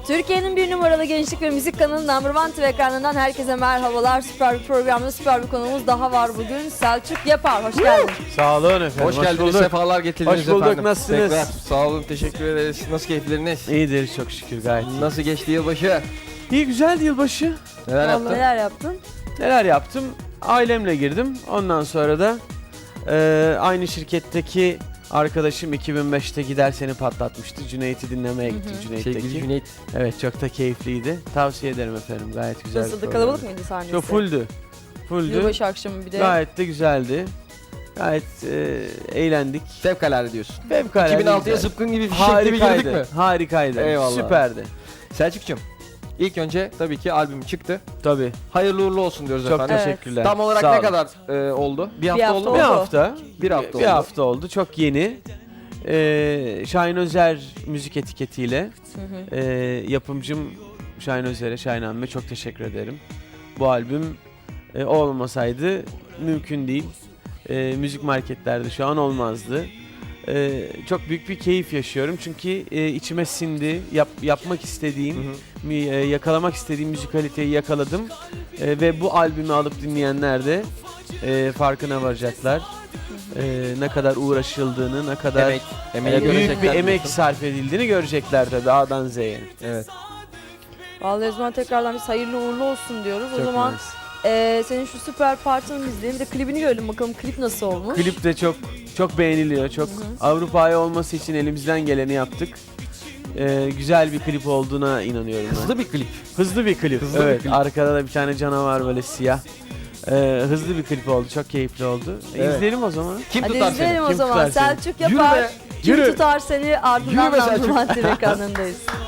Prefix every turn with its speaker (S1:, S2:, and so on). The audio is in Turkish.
S1: Türkiye'nin bir numaralı gençlik ve müzik kanalı Number One TV ekranından herkese merhabalar. Süper bir programda süper bir konuğumuz daha var bugün. Selçuk Yapar, hoş geldin.
S2: Sağ olun efendim.
S3: Hoş geldiniz, sefalar getirdiniz
S2: Hoş bulduk,
S3: efendim.
S2: nasılsınız?
S3: Tekrar sağ olun, teşekkür ederiz. Nasıl keyifleriniz?
S2: İyidir çok şükür, gayet iyi.
S3: Nasıl geçti yılbaşı?
S2: İyi, güzeldi yılbaşı.
S3: Neler yaptın?
S1: Neler yaptın?
S2: Neler yaptım? Ailemle girdim. Ondan sonra da aynı şirketteki arkadaşım 2005'te Gider Seni patlatmıştı. Cüneyt'i dinlemeye gittik Cüneyt'teki.
S3: Sevgili Cüneyt.
S2: Evet, çok da keyifliydi. Tavsiye ederim efendim. Gayet güzel.
S1: Nasıldı? Kalabalık mıydı sahnesi?
S2: Çok fulldü.
S1: Yılbaşı akşamı bir de.
S2: Gayet de güzeldi. Gayet eğlendik.
S3: Fevkalade diyorsun.
S2: Fevkalade
S3: 2006'ya
S2: güzel.
S3: zıpkın gibi bir şekilde bir girdik mi?
S2: Harikaydı.
S3: Eyvallah.
S2: Süperdi.
S3: Selçuk'cum, ilk önce tabii ki albüm çıktı.
S2: Tabii.
S3: Hayırlı uğurlu olsun diyoruz
S2: Çok
S3: efendim.
S2: teşekkürler.
S3: Tam olarak
S2: Sağ
S3: ne
S2: olun.
S3: kadar oldu? Bir hafta
S1: hafta
S3: oldu mu?
S2: Bir
S1: oldu.
S2: hafta.
S3: Bir hafta
S2: Bir
S3: oldu.
S2: hafta oldu. Çok yeni. Şahin Özer müzik etiketiyle yapımcım Şahin Özer'e, Şahin Hanım'a çok teşekkür ederim. Bu albüm o olmasaydı mümkün değil. Müzik marketlerde şu an olmazdı. Çok büyük bir keyif yaşıyorum çünkü içime sindi. Yapmak istediğim, yakalamak istediğim müzikaliteyi yakaladım. Ve bu albümü alıp dinleyenler de farkına varacaklar. Ne kadar uğraşıldığını, ne kadar
S3: Emeği
S2: büyük bir
S3: görecekler
S2: emek
S3: diyorsun.
S2: sarf edildiğini görecekler tabii A'dan Z'ye.
S3: Evet.
S1: Vallahi o zaman tekrardan biz hayırlı uğurlu olsun diyoruz. O
S2: Çok
S1: zaman
S2: nice.
S1: senin şu süper partını izleyelim. Bir de klibini görelim bakalım, klip nasıl olmuş.
S2: Klip de çok beğeniliyor. Çok Avrupa'ya olması için elimizden geleni yaptık. Güzel bir klip olduğuna inanıyorum ben.
S3: Hızlı bir klip.
S2: Hızlı bir klip.
S3: Hızlı bir
S2: Evet.
S3: klip.
S2: Arkada da bir tane canavar böyle siyah. Hızlı bir klip oldu. Çok keyifli oldu.
S3: Evet.
S2: İzleyelim o zaman.
S3: Kim
S1: Hadi
S3: tutar
S1: izleyelim
S3: seni?
S1: o
S2: Kim
S1: zaman.
S2: tutar seni?
S1: Selçuk
S3: Yürü
S1: Yapar.
S3: be.
S1: Kim
S2: Yürü.
S1: tutar seni, ardından
S3: Yürü be
S1: Number
S3: Selçuk.
S1: One TV ekranındayız.